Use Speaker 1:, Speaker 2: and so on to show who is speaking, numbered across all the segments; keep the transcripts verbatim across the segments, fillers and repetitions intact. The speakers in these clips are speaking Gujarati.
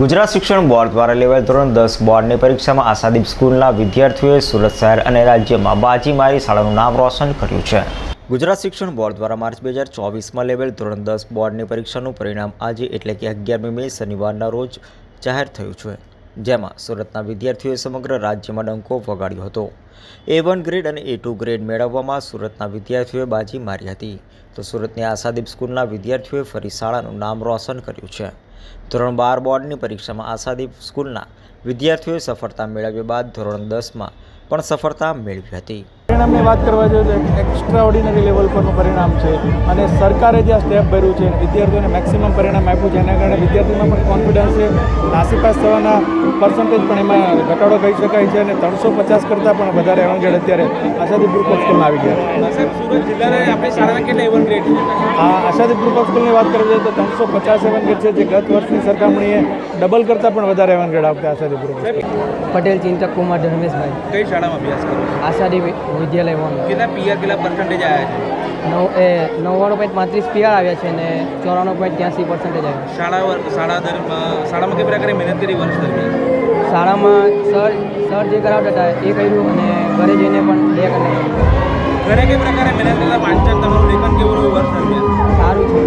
Speaker 1: ગુજરાત શિક્ષણ બોર્ડ દ્વારા લેવાયેલ ધોરણ દસ બોર્ડની પરીક્ષામાં આશાદીપ સ્કૂલના વિદ્યાર્થીઓએ સુરત શહેર અને રાજ્યમાં બાજી મારી શાળાનું નામ રોશન કર્યું છે. ગુજરાત શિક્ષણ બોર્ડ દ્વારા માર્ચ બે હજાર ચોવીસમાં લેવાયેલ ધોરણ દસ બોર્ડની પરીક્ષાનું પરિણામ આજે એટલે કે અગિયારમી મે શનિવારના રોજ જાહેર થયું છે, જેમાં સુરતના વિદ્યાર્થીઓએ સમગ્ર રાજ્યમાં ડંકો વગાડ્યો હતો. એ વન ગ્રેડ અને એ ટુ ગ્રેડ મેળવવામાં સુરતના વિદ્યાર્થીઓએ બાજી મારી હતી, તો સુરતની આશાદીપ સ્કૂલના વિદ્યાર્થીઓએ ફરી શાળાનું નામ રોશન કર્યું છે. ધોરણ બાર બોર્ડની પરીક્ષામાં આશાદીપ સ્કૂલના વિદ્યાર્થીઓએ સફળતા મેળવ્યા બાદ ધોરણ દસમાં પણ સફળતા મેળવી હતી.
Speaker 2: પરિણામની વાત કરવા જોઈએ તો એક્સ્ટ્રા ઓર્ડિનરી લેવલ પરનું પરિણામ છે અને સરકારે જે આ સ્ટેપ ભર્યું છે વિદ્યાર્થીઓને મેક્સિમમ પરિણામ આપ્યું છે, એના કારણે વિદ્યાર્થીઓમાં પણ કોન્ફિડન્સ છે. નાસીપાસ થવાના પર્સન્ટેજ પણ એમાં ઘટાડો કહી શકાય છે અને ત્રણસો પચાસ કરતાં પણ વધારે એવંગેડ અત્યારે આશાદીપ ગ્રુપ ઓફ સ્કૂલમાં આવી ગયા છે.
Speaker 3: સુરત જિલ્લાના આપણી શાળાના કેટલા એવન ગ્રેડ છે?
Speaker 2: આ આશાદીપ ગ્રુપ ઓફ સ્કૂલની વાત કરવી જોઈએ તો ત્રણસો પચાસ એવંગેડ છે, જે ગત વર્ષની સરખામણીએ ડબલ કરતાં પણ વધારે એવંગેડ આવતા આશાદીપ ગ્રુપ.
Speaker 4: પટેલ ચિંતક કુમાર ધર્મેશભાઈ.
Speaker 3: કઈ શાળામાં અભ્યાસ કરો?
Speaker 4: આશાદીપ વિદ્યાલય વન.
Speaker 3: કેટલા પીઆર કેટલા પર્સન્ટેજ આવ્યા છે?
Speaker 4: નવ એ નવ્વાણું પોઈન્ટ પાંત્રીસ પીઆર આવ્યા છે અને ચોરાણું પોઈન્ટ ત્યાંસી પર્સન્ટેજ આવ્યા.
Speaker 3: શાળા વર- શાળા દરમિયાન શાળામાં કઈ પ્રકારે મહેનત કરી વર્ષ દરમિયાન?
Speaker 4: શાળામાં સર સર જે કરાવતા હતા એ કર્યું અને ઘરે જઈને પણ બે કલાક.
Speaker 3: ઘરે કઈ પ્રકારે મહેનત કરતા વાંચન તમારું લેખન કેવું રહ્યું વર્ષ દરમિયાન?
Speaker 4: સારું છે.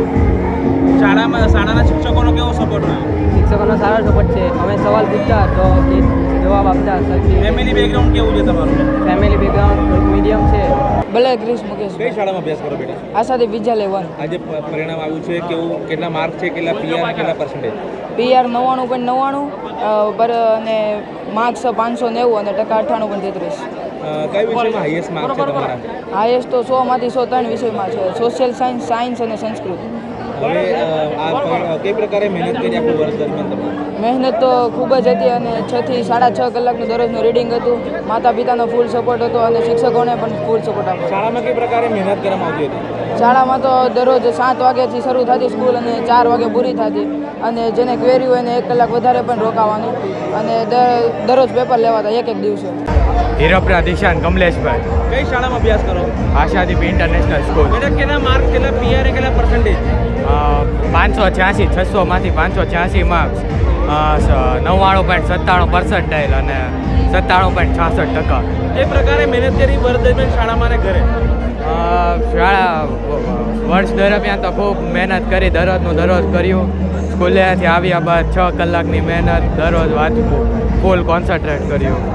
Speaker 3: શાળામાં શાળાના શિક્ષકોનો કેવો સપોર્ટ રહ્યો?
Speaker 4: શિક્ષકોનો સારો સપોર્ટ છે. અમે સવાલ પૂછતા તો એ જવાબ આપતા. સરખી
Speaker 3: ફેમિલી બેકગ્રાઉન્ડ કેવું છે તમારું?
Speaker 4: ફેમિલી બેકગ્રાઉન્ડ મીડિયમ છે.
Speaker 5: ભલે ક્રિશ મુકેશ.
Speaker 3: કઈ શાળામાં અભ્યાસ કરો બેટા?
Speaker 5: આશાદીપ વિદ્યાલય વન.
Speaker 3: આજે પ- પરિણામ આવ્યું છે, કેવું કેટલા માર્ક છે, કેટલા પીઆર કેટલા પર્સન્ટેજ?
Speaker 5: પીઆર નવ્વાણું પોઈન્ટ નવ્વાણું પર અને માર્ક્સ પાંચસો નેવું અને ટકા અઠ્ઠાણું પોઈન્ટ તેત્રીસ.
Speaker 3: કઈ વિષયમાં હાઈએસ્ટ માર્ક છે તમારા?
Speaker 5: હાઈએસ્ટ તો સોમાંથી સો ત્રણ વિષયમાં છે, સોશિયલ સાયન્સ, સાયન્સ અને સંસ્કૃત.
Speaker 3: હવે અ, આ પર- કઈ પ્રકારે મહેનત કરી આખું વર્ષ દરમિયાન તમે?
Speaker 5: મહેનત તો ખૂબ જ હતી અને છ થી સાડા છ કલાકનું દરરોજનું રીડિંગ હતું. માતા પિતાનો ફૂલ સપોર્ટ હતો અને શિક્ષકોને પણ ફૂલ સપોર્ટ આપ્યો.
Speaker 3: શાળામાં કઈ પ્રકારે મહેનત કરવામાં આવતી હતી?
Speaker 5: શાળામાં તો દરરોજ સાત વાગ્યાથી શરૂ થતી સ્કૂલ અને ચાર વાગે પૂરી થતી, અને જેને ક્વેરી હોય એને એક કલાક વધારે પણ રોકાવાનું અને દર- દરરોજ પેપર લેવાતા એક એક દિવસે.
Speaker 6: હીરોપરા દિશાન કમલેશભાઈ.
Speaker 3: કઈ શાળામાં અભ્યાસ કરો?
Speaker 6: Ashadeep international school.
Speaker 3: બેટા કેટલા માર્ક કેટલા પીઆર કેટલા પર્સન્ટેજ?
Speaker 6: પાંચસો છ્યાસી છસોમાંથી પાંચસો છ્યાસી માર્ક્સ, નવ્વાણું પોઈન્ટ સત્તાણું પર્સન્ટાઇલ અને સત્તાણું પોઈન્ટ છાસઠ ટકા.
Speaker 3: એ પ્રકારે મહેનત કરી વર્ષ દરમિયાન શાળામાં અને ઘરે?
Speaker 6: અ, શાળા વર્ષ દરમિયાન તો ખૂબ મહેનત કરી, દરરોજનું દરરોજ કર્યું. સ્કૂલેથી આવ્યા બાદ છ કલાકની મહેનત, દરરોજ વાંચવું, ફૂલ કોન્સન્ટ્રેટ કર્યું.